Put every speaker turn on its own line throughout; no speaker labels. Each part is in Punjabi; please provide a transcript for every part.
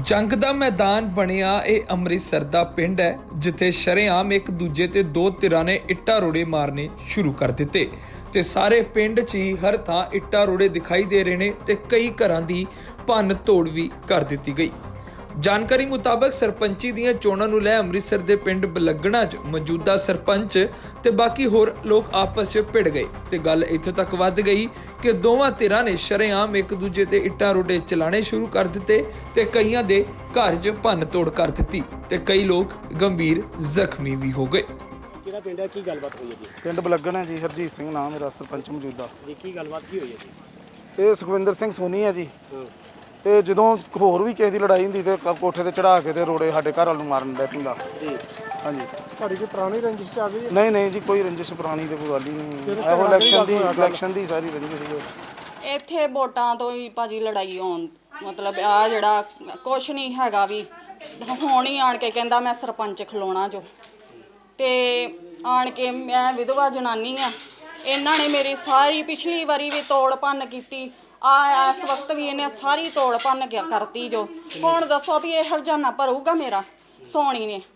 ਜੰਗ ਦਾ ਮੈਦਾਨ ਬਣਿਆ ਇਹ ਅੰਮ੍ਰਿਤਸਰ ਦਾ ਪਿੰਡ ਹੈ ਜਿੱਥੇ ਸ਼ਰੇਆਮ ਇੱਕ ਦੂਜੇ ਤੇ ਦੋ ਧਿਰਾਂ ਨੇ ਇੱਟਾਂ ਰੋੜੇ ਮਾਰਨੇ ਸ਼ੁਰੂ ਕਰ ਦਿੱਤੇ ਤੇ ਸਾਰੇ ਪਿੰਡ 'ਚ ਹੀ ਹਰ ਥਾਂ ਇੱਟਾਂ ਰੋੜੇ ਦਿਖਾਈ ਦੇ ਰਹੇ ਨੇ ਤੇ ਕਈ ਘਰਾਂ ਦੀ ਭੰਨ ਤੋੜ ਵੀ ਕਰ ਦਿੱਤੀ ਗਈ। ਜਾਣਕਾਰੀ ਮੁਤਾਬਕ ਸਰਪੰਚੀ ਦੀਆਂ ਚੋਣਾਂ ਨੂੰ ਲੈ ਅੰਮ੍ਰਿਤਸਰ ਦੇ ਪਿੰਡ ਬਲਗਣਾ 'ਚ ਮੌਜੂਦਾ ਸਰਪੰਚ ਤੇ ਬਾਕੀ ਹੋਰ ਲੋਕ ਆਪਸ 'ਚ ਭਿੜ ਗਏ ਤੇ ਗੱਲ ਇੱਥੋਂ ਤੱਕ ਵੱਧ ਗਈ ਕਿ ਦੋਵਾਂ ਧਿਰਾਂ ਨੇ ਸ਼ਰੇਆਮ ਇੱਕ ਦੂਜੇ ਤੇ ਇੱਟਾਂ ਰੋੜੇ ਚਲਾਣੇ ਸ਼ੁਰੂ ਕਰ ਦਿੱਤੇ ਤੇ ਕਈਆਂ ਦੇ ਘਰ 'ਚ ਭੰਨ ਤੋੜ ਕਰ ਦਿੱਤੀ ਤੇ ਕਈ ਲੋਕ ਗੰਭੀਰ ਜ਼ਖਮੀ ਵੀ ਹੋ ਗਏ।
ਕਿਹੜਾ ਪਿੰਡ ਹੈ, ਕੀ ਗੱਲਬਾਤ ਹੋਈ ਹੈ ਜੀ?
ਪਿੰਡ ਬਲਗਣਾ ਜੀ, ਹਰਜੀਤ ਸਿੰਘ ਨਾਮ ਮੇਰਾ, ਸਰਪੰਚ ਮੌਜੂਦਾ
ਜੀ ਕੀ ਗੱਲਬਾਤ ਕੀ ਹੋਈ ਹੈ ਜੀ?
ਇਹ ਸੁਖਵਿੰਦਰ ਸਿੰਘ ਸੋਨੀ ਹੈ ਜੀ। ਤੇ ਜਦੋਂ ਹੋਰ ਵੀ ਕਿਸੇ ਦੀ ਲੜਾਈ ਹੁੰਦੀ ਤੇ ਕੋਠੇ ਤੇ ਚੜਾ ਕੇ ਤੇ ਰੋੜੇ ਸਾਡੇ ਘਰ ਵਾਲ ਨੂੰ ਮਾਰਨ ਲੱਗ ਪੈਂਦਾ
ਜੀ।
ਹਾਂਜੀ,
ਤੁਹਾਡੀ ਕੋਈ ਪੁਰਾਣੀ ਰੰਜਿਸ਼ ਚ ਆ ਗਈ?
ਨਹੀਂ ਜੀ, ਕੋਈ ਰੰਜਿਸ਼ ਪੁਰਾਣੀ ਤੇ ਕੋਈ ਗੱਲ ਹੀ ਨਹੀਂ। ਇਹੋ ਇਲੈਕਸ਼ਨ ਦੀ ਸਾਰੀ ਰੰਜਿਸ਼ ਸੀ।
ਇੱਥੇ ਵੋਟਾਂ ਤੋਂ ਹੀ ਭਾਜੀ ਲੜਾਈ ਹੋਣ ਮਤਲਬ ਆ ਜਿਹੜਾ ਕੁਛ ਨਹੀਂ ਹੈਗਾ ਵੀ ਹੁਣ ਹੀ ਆਣ ਕੇ ਕਹਿੰਦਾ ਮੈਂ ਸਰਪੰਚ ਖਲੋਣਾ ਜੋ ਤੇ ਆਣ ਕੇ ਮੈਂ ਵਿਧਵਾ ਜਨਾਨੀ ਆ। ਇਹਨਾਂ ਨੇ ਮੇਰੀ ਸਾਰੀ ਪਿਛਲੀ ਵਾਰੀ ਵੀ ਤੋੜ ਭੰਨ ਕੀਤੀ ਇਸ ਵਕਤ ਵੀ ਇਹਨੇ ਸਾਰੀ ਤੋੜ ਭੰਨ ਕੇ ਕਰਤੀ ਜੋ। ਹੁਣ ਦੱਸੋ ਵੀ ਇਹ ਹਰਜਾਨਾ ਭਰੂਗਾ ਮੇਰਾ ਸੋਣੀ ਨੇ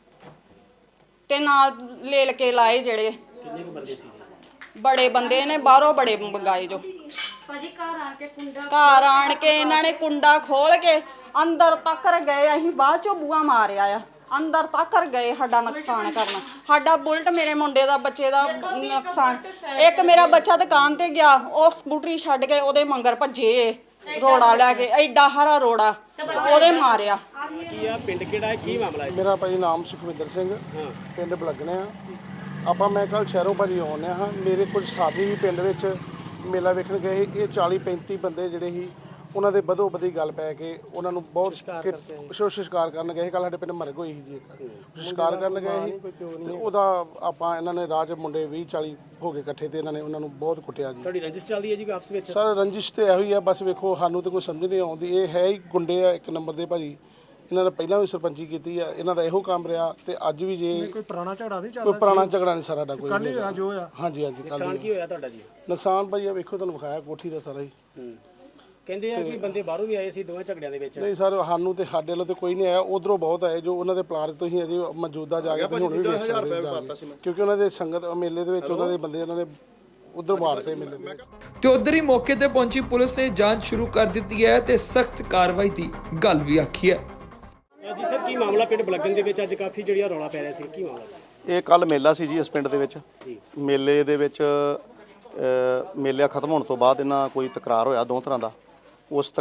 ਤੇ ਨਾਲ ਲੇਲ ਕੇ ਲਾਏ ਜਿਹੜੇ
ਕਿੰਨੇ ਕੁ ਬੰਦੇ ਸੀ ਜੀ?
ਬੜੇ ਬੰਦੇ ਨੇ ਬਾਹਰੋਂ ਬੜੇ ਮੰਗਾਏ ਜੋ।
ਭਾਜੀ
ਘਰ ਆਣ ਕੇ ਇਹਨਾਂ ਨੇ ਕੁੰਡਾ ਖੋਲ ਕੇ ਅੰਦਰ ਤੱਕ ਗਏ। ਅਸੀਂ ਬਾਅਦ ਚੋਂ ਬੂਆ ਮਾਰਿਆ ਆ, ਅੰਦਰ ਤੱਕ ਗਏ ਸਾਡਾ ਨੁਕਸਾਨ ਕਰਨਾ। ਸਾਡਾ ਬੁਲਟ ਮੇਰੇ ਮੁੰਡੇ ਦਾ ਬੱਚੇ ਦਾ ਨੁਕਸਾਨ। ਇੱਕ ਮੇਰਾ ਬੱਚਾ ਦੁਕਾਨ ਤੇ ਗਿਆ, ਉਹ ਸਕੂਟਰੀ ਛੱਡ ਕੇ ਉਹਦੇ ਮੰਗਰ ਭੱਜੇ ਰੋੜਾ ਲੈ ਕੇ, ਐਡਾ ਹਰਾ ਰੋੜਾ ਉਹਦੇ ਮਾਰਿਆ।
ਕੀ ਆ ਪਿੰਡ ਕਿਹੜਾ ਹੈ, ਕੀ ਮਾਮਲਾ ਹੈ?
ਮੇਰਾ ਭਾਈ ਨਾਮ ਸੁਖਵਿੰਦਰ ਸਿੰਘ, ਪਿੰਡ ਬਲਗਣੇ ਆ ਆਪਾਂ। ਮੈਂ ਕੱਲ ਸ਼ਹਿਰੋਂ ਭਾਜੀ ਆਉਂਦੇ ਹਾਂ। ਮੇਰੇ ਕੁਝ ਸਾਥੀ ਹੀ ਪਿੰਡ ਵਿੱਚ ਮੇਲਾ ਵੇਖਣ ਗਏ। ਇਹ 40-35 ਬੰਦੇ ਜਿਹੜੇ ਸੀ ਉਹਨਾਂ ਦੇ ਬਦੋ ਬਦੀ ਗੱਲ ਪੈ ਕੇ ਉਹਨਾਂ ਨੂੰ ਬਹੁਤ ਸ਼ਿਕਾਰ ਕਰਨ ਗਏ ਸੀ। ਕੱਲ੍ਹ ਸਾਡੇ ਪਿੰਡ ਮਰਗ ਹੋਈ ਸੀ ਜੀ, ਇੱਕ ਸ਼ਿਕਾਰ ਕਰਨ ਗਏ ਸੀ ਤੇ ਉਹਦਾ ਆਪਾਂ ਇਹਨਾਂ ਨੇ ਰਾਜ ਮੁੰਡੇ 20-40 ਹੋ ਗਏ ਇਕੱਠੇ ਤੇ ਇਹਨਾਂ ਨੇ ਉਹਨਾਂ ਨੂੰ ਬਹੁਤ ਕੁੱਟਿਆ ਜੀ।
ਤੁਹਾਡੀ ਰੰਜਿਸ਼ ਚੱਲਦੀ ਹੈ ਜੀ ਆਪਸ ਵਿੱਚ?
ਸਰ ਰੰਜਿਸ਼ ਤੇ ਇਹੋ ਹੀ ਆ, ਬਸ ਵੇਖੋ ਸਾਨੂੰ ਤਾਂ ਕੋਈ ਸਮਝ ਨਹੀਂ ਆਉਂਦੀ। ਇਹ ਹੈ ਹੀ ਗੁੰਡੇ ਆ ਇੱਕ ਨੰਬਰ ਦੇ ਭਾਜੀ। ਇਹਨਾਂ ਨੇ ਪਹਿਲਾਂ ਵੀ ਸਰਪੰਚੀ ਕੀਤੀ ਆ, ਇਹਨਾਂ ਦਾ ਇਹੋ ਕੰਮ ਰਿਹਾ ਤੇ ਅੱਜ ਵੀ ਜੇ
ਕੋਈ ਪੁਰਾਣਾ ਝਗੜਾ ਨਹੀਂ ਚੱਲਦਾ?
ਕੋਈ ਪੁਰਾਣਾ ਝਗੜਾ ਨਹੀਂ ਸਾਡਾ ਕੋਈ।
ਕੱਲ ਹੀ ਜੋ ਹੋਇਆ?
ਹਾਂਜੀ।
ਨੁਕਸਾਨ ਕੀ ਹੋਇਆ ਤੁਹਾਡਾ ਜੀ?
ਨੁਕਸਾਨ ਭਾਈ ਆ ਵੇਖੋ, ਤੁਹਾਨੂੰ ਵਿਖਾਇਆ ਕੋਠੀ ਦਾ ਸਾਰਾ ਹੀ।
ਕਹਿੰਦੇ ਆ ਕਿ ਬੰਦੇ ਬਾਹਰੋਂ ਵੀ ਆਏ ਸੀ ਦੋਵੇਂ ਝਗੜਿਆਂ ਦੇ ਵਿੱਚ?
ਨਹੀਂ ਸਰ, ਸਾਨੂੰ ਤੇ ਸਾਡੇ ਵੱਲੋਂ ਤੇ ਕੋਈ ਨਹੀਂ ਆਇਆ, ਉਧਰੋਂ ਬਹੁਤ ਆਏ ਜੋ ਉਹਨਾਂ ਦੇ ਪਲਾਟ ਤੋਂ ਹੀ ਅਜੇ ਮੌਜੂਦਾ ਜਾ ਕੇ ਹੁਣ ਵੀ ਵੇਖ ਸਕਦੇ ਕਿਉਂਕਿ ਉਹਨਾਂ ਦੇ ਸੰਗਤ ਮੇਲੇ ਦੇ ਵਿੱਚ ਉਹਨਾਂ ਦੇ ਬੰਦੇ ਉਹਨਾਂ ਨੇ ਉਧਰ ਮਾਰਤੇ ਮੇਲੇ ਦੇ ਵਿੱਚ।
ਤੇ ਉਧਰ ਹੀ ਮੌਕੇ ਤੇ ਪਹੁੰਚੀ ਪੁਲਿਸ ਨੇ ਜਾਂਚ ਸ਼ੁਰੂ ਕਰ ਦਿੱਤੀ ਹੈ ਤੇ ਸਖਤ ਕਾਰਵਾਈ ਦੀ ਗੱਲ ਵੀ ਆਖੀ ਹੈ।
ਜੀ ਸਰ, ਕੀ ਮਾਮਲਾ ਪਿੰਡ ਬਲਗਣ ਦੇ ਵਿੱਚ ਅੱਜ ਕਾਫੀ ਜਿਹੜੀਆਂ ਰੌਲਾ ਪੈ ਰਿਹਾ ਸੀ, ਕੀ ਮਾਮਲਾ?
ਇਹ ਕੱਲ ਮੇਲਾ ਸੀ ਜੀ ਇਸ ਪਿੰਡ ਦੇ ਵਿੱਚ। ਮੇਲੇ ਦੇ ਵਿੱਚ ਮੇਲਾ ਖਤਮ ਹੋਣ ਤੋਂ ਬਾਅਦ ਇਹਨਾਂ ਕੋਈ ਤਕਰਾਰ ਹੋਇਆ ਦੋ ਤਰ੍ਹਾਂ ਦਾ। ਉਸ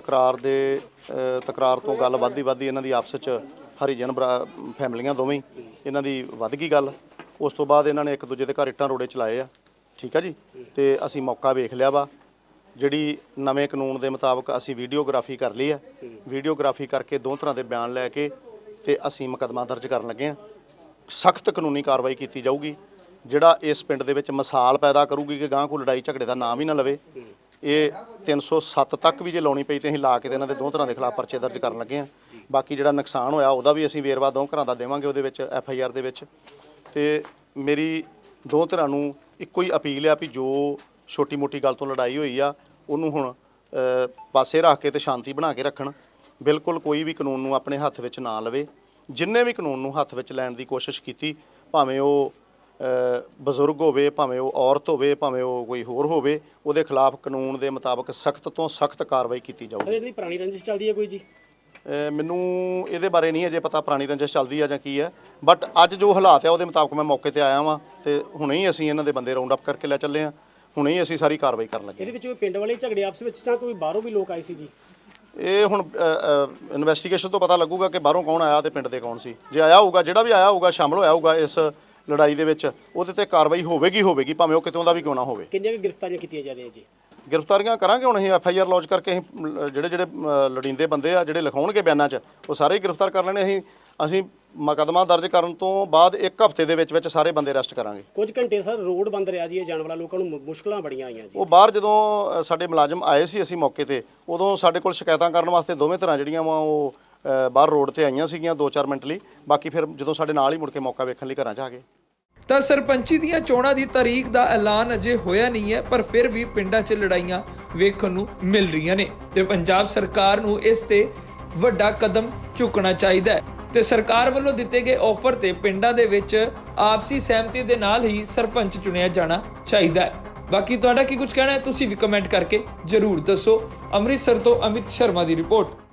ਤਕਰਾਰ ਤੋਂ ਗੱਲ ਵੱਧਦੀ ਇਹਨਾਂ ਦੀ ਆਪਸ 'ਚ ਹਰੀਜਨ ਫੈਮਲੀਆਂ ਦੋਵੇਂ ਇਹਨਾਂ ਦੀ ਵੱਧ ਗਈ ਗੱਲ। ਉਸ ਤੋਂ ਬਾਅਦ ਇਹਨਾਂ ਨੇ ਇੱਕ ਦੂਜੇ ਦੇ ਘਰ ਇੱਟਾਂ ਰੋੜੇ ਚਲਾਏ ਆ, ਠੀਕ ਆ ਜੀ। ਤੇ ਅਸੀਂ ਮੌਕਾ ਵੇਖ ਲਿਆ ਵਾ। ਜਿਹੜੀ ਨਵੇਂ ਕਾਨੂੰਨ ਦੇ ਮੁਤਾਬਕ ਅਸੀਂ ਵੀਡੀਓਗ੍ਰਾਫੀ ਕਰ ਲਈ ਆ। ਵੀਡੀਓਗ੍ਰਾਫੀ ਕਰਕੇ ਦੋ ਤਰ੍ਹਾਂ ਦੇ ਬਿਆਨ ਲੈ ਕੇ ਤੇ ਅਸੀਂ ਮੁਕੱਦਮਾ ਦਰਜ ਕਰਨ ਲੱਗੇ ਆ। ਸਖਤ ਕਾਨੂੰਨੀ ਕਾਰਵਾਈ ਕੀਤੀ ਜਾਊਗੀ ਜਿਹੜਾ ਇਸ ਪਿੰਡ ਦੇ ਵਿੱਚ ਮਿਸਾਲ ਪੈਦਾ ਕਰੂਗੀ ਕਿ ਗਾਂ ਕੋਈ ਲੜਾਈ ਝਗੜੇ ਦਾ ਨਾਮ ਹੀ ਨਾ ਲਵੇ। ਇਹ 307 ਤੱਕ ਵੀ ਜੇ ਲਾਉਣੀ ਪਈ ਤੇ ਅਸੀਂ ਲਾ ਕੇ ਤੇ ਇਹਨਾਂ ਦੇ ਦੋ ਤਰ੍ਹਾਂ ਦੇ ਖਿਲਾਫ ਪਰਚੇ ਦਰਜ ਕਰਨ ਲੱਗੇ ਆ। ਬਾਕੀ ਜਿਹੜਾ ਨੁਕਸਾਨ ਹੋਇਆ ਉਹਦਾ ਵੀ ਅਸੀਂ ਵੇਰਵਾ ਦੋ ਘਰਾਂ ਦਾ ਦੇਵਾਂਗੇ ਉਹਦੇ ਵਿੱਚ FIR ਦੇ ਵਿੱਚ। ਤੇ ਮੇਰੀ ਦੋ ਧਿਰਾਂ ਨੂੰ ਇੱਕੋ ਹੀ ਅਪੀਲ ਆ ਵੀ ਜੋ ਛੋਟੀ ਮੋਟੀ ਗੱਲ ਤੋਂ ਲੜਾਈ ਹੋਈ ਆ ਉਹਨੂੰ ਹੁਣ ਪਾਸੇ ਰੱਖ ਕੇ ਤੇ ਸ਼ਾਂਤੀ ਬਣਾ ਕੇ ਰੱਖਣ। ਬਿਲਕੁਲ ਕੋਈ ਵੀ ਕਾਨੂੰਨ ਨੂੰ ਆਪਣੇ ਹੱਥ ਵਿੱਚ ਨਾ ਲਵੇ। ਜਿੰਨੇ ਵੀ ਕਾਨੂੰਨ ਨੂੰ ਹੱਥ ਵਿੱਚ ਲੈਣ ਦੀ ਕੋਸ਼ਿਸ਼ ਕੀਤੀ, ਭਾਵੇਂ ਉਹ ਬਜ਼ੁਰਗ ਹੋਵੇ, ਭਾਵੇਂ ਉਹ ਔਰਤ ਹੋਵੇ, ਭਾਵੇਂ ਉਹ ਕੋਈ ਹੋਰ ਹੋਵੇ, ਉਹਦੇ ਖਿਲਾਫ ਕਾਨੂੰਨ ਦੇ ਮੁਤਾਬਕ ਸਖਤ ਤੋਂ ਸਖਤ ਕਾਰਵਾਈ ਕੀਤੀ ਜਾਊਗੀ।
ਇਹਦੀ ਪੁਰਾਣੀ ਰੰਜਿਸ਼ ਚੱਲਦੀ ਹੈ ਕੋਈ ਜੀ?
ਮੈਨੂੰ ਇਹਦੇ ਬਾਰੇ ਨਹੀਂ ਅਜੇ ਪਤਾ ਪੁਰਾਣੀ ਰੰਜਿਸ਼ ਚੱਲਦੀ ਆ ਜਾਂ ਕੀ ਹੈ, ਬਟ ਅੱਜ ਜੋ ਹਾਲਾਤ ਆ ਉਹਦੇ ਮੁਤਾਬਕ ਮੈਂ ਮੌਕੇ ਤੇ ਆਇਆ ਵਾਂ ਤੇ ਹੁਣੇ ਹੀ ਅਸੀਂ ਇਹਨਾਂ ਦੇ ਬੰਦੇ ਰਾਉਂਡ ਅਪ ਕਰਕੇ ਲੈ ਚੱਲੇ ਆ। ਹੁਣੇ ਹੀ ਅਸੀਂ ਸਾਰੀ ਕਾਰਵਾਈ ਕਰਨ ਲੱਗੇ।
ਇਹਦੇ ਵਿੱਚ ਕੋਈ ਪਿੰਡ ਵਾਲੇ ਝਗੜੇ ਆਪਸ ਵਿੱਚ ਜਾਂ ਕੋਈ ਬਾਹਰੋਂ ਵੀ ਲੋਕ ਆਏ ਸੀ ਜੀ?
ਇਹ ਹੁਣ ਇਨਵੈਸਟੀਗੇਸ਼ਨ ਤੋਂ ਪਤਾ ਲੱਗੂਗਾ ਕਿ ਬਾਹਰੋਂ ਕੌਣ ਆਇਆ ਤੇ ਪਿੰਡ ਦੇ ਕੌਣ ਸੀ। ਜੇ ਆਇਆ ਹੋਊਗਾ, ਜਿਹੜਾ ਵੀ ਆਇਆ ਹੋਊਗਾ, ਸ਼ਾਮਲ ਹੋਇਆ ਹੋਊਗਾ ਇਸ ਲੜਾਈ ਦੇ ਵਿੱਚ, ਉਹਦੇ ਤੇ ਕਾਰਵਾਈ ਹੋਵੇਗੀ ਭਾਵੇਂ ਉਹ ਕਿਤੋਂ ਦਾ ਵੀ ਕਿਉਂ ਨਾ ਹੋਵੇ।
ਕਿੰਨੀਆਂ ਗ੍ਰਿਫਤਾਰੀਆਂ ਕੀਤੀਆਂ ਜਾ ਰਹੀਆਂ ਜੀ?
ਗ੍ਰਿਫਤਾਰੀਆਂ ਕਰਾਂਗੇ ਹੁਣ ਅਸੀਂ FIR ਲੌਂਚ ਕਰਕੇ। ਅਸੀਂ ਜਿਹੜੇ ਲੜੀਂਦੇ ਬੰਦੇ ਆ ਜਿਹੜੇ ਲਿਖਾਉਣਗੇ ਬਿਆਨਾਂ 'ਚ ਉਹ ਸਾਰੇ ਹੀ ਗ੍ਰਿਫਤਾਰ ਕਰ ਲੈਣੇ। ਅਸੀਂ ਮੁਕੱਦਮਾ ਦਰਜ ਕਰਨ ਤੋਂ ਬਾਅਦ 1 ਹਫ਼ਤੇ ਦੇ ਵਿੱਚ ਸਾਰੇ ਬੰਦੇ ਅਰੈਸਟ ਕਰਾਂਗੇ।
ਕੁਝ ਘੰਟੇ ਸਰ ਰੋਡ ਬੰਦ ਰਿਹਾ ਜੀ, ਇਹ ਜਾਣ ਵਾਲਾ ਲੋਕਾਂ ਨੂੰ ਮੁਸ਼ਕਲਾਂ ਬੜੀਆਂ ਆਈਆਂ ਜੀ।
ਉਹ ਬਾਹਰ ਜਦੋਂ ਸਾਡੇ ਮੁਲਾਜ਼ਮ ਆਏ ਸੀ ਅਸੀਂ ਮੌਕੇ ਤੇ, ਉਦੋਂ ਸਾਡੇ ਕੋਲ ਸ਼ਿਕਾਇਤਾਂ ਕਰਨ ਵਾਸਤੇ ਦੋਵੇਂ ਤਰ੍ਹਾਂ ਜਿਹੜੀਆਂ ਵਾ ਉਹ ਬਾਹਰ ਰੋਡ ਤੇ ਆਈਆਂ ਸੀਗੀਆਂ 2-4 ਮਿੰਟ ਲਈ। ਬਾਕੀ ਫਿਰ ਜਦੋਂ ਸਾਡੇ ਨਾਲ ਹੀ ਮੁੜ ਕੇ ਮੌਕਾ ਵੇਖਣ ਲਈ ਘਰਾਂ 'ਚ ਆ ਗਏ।
ਤਾਂ ਸਰਪੰਚੀ ਦੀਆਂ ਚੋਣਾਂ ਦੀ ਤਾਰੀਖ ਦਾ ਐਲਾਨ ਅਜੇ ਹੋਇਆ ਨਹੀਂ ਹੈ, ਪਰ ਫਿਰ ਵੀ ਪਿੰਡਾਂ 'ਚ ਲੜਾਈਆਂ ਵੇਖਣ ਨੂੰ ਮਿਲ ਰਹੀਆਂ ਨੇ ਤੇ ਪੰਜਾਬ ਸਰਕਾਰ ਨੂੰ ਇਸ ਤੇ ਵੱਡਾ ਕਦਮ ਚੁੱਕਣਾ ਚਾਹੀਦਾ ਹੈ ਤੇ ਸਰਕਾਰ ਵੱਲੋਂ ਦਿੱਤੇ ਗਏ ਆਫਰ ਤੇ ਪਿੰਡਾਂ ਦੇ ਵਿੱਚ ਆਪਸੀ ਸਹਿਮਤੀ ਦੇ ਨਾਲ ਹੀ ਸਰਪੰਚ ਚੁਣਿਆ ਜਾਣਾ ਚਾਹੀਦਾ ਹੈ। ਬਾਕੀ ਤੁਹਾਡਾ ਕੀ ਕੁਝ ਕਹਿਣਾ ਹੈ ਤੁਸੀਂ ਵੀ ਕਮੈਂਟ ਕਰਕੇ ਜ਼ਰੂਰ ਦੱਸੋ। ਅੰਮ੍ਰਿਤਸਰ ਤੋਂ ਅਮਿਤ ਸ਼ਰਮਾ ਦੀ ਰਿਪੋਰਟ।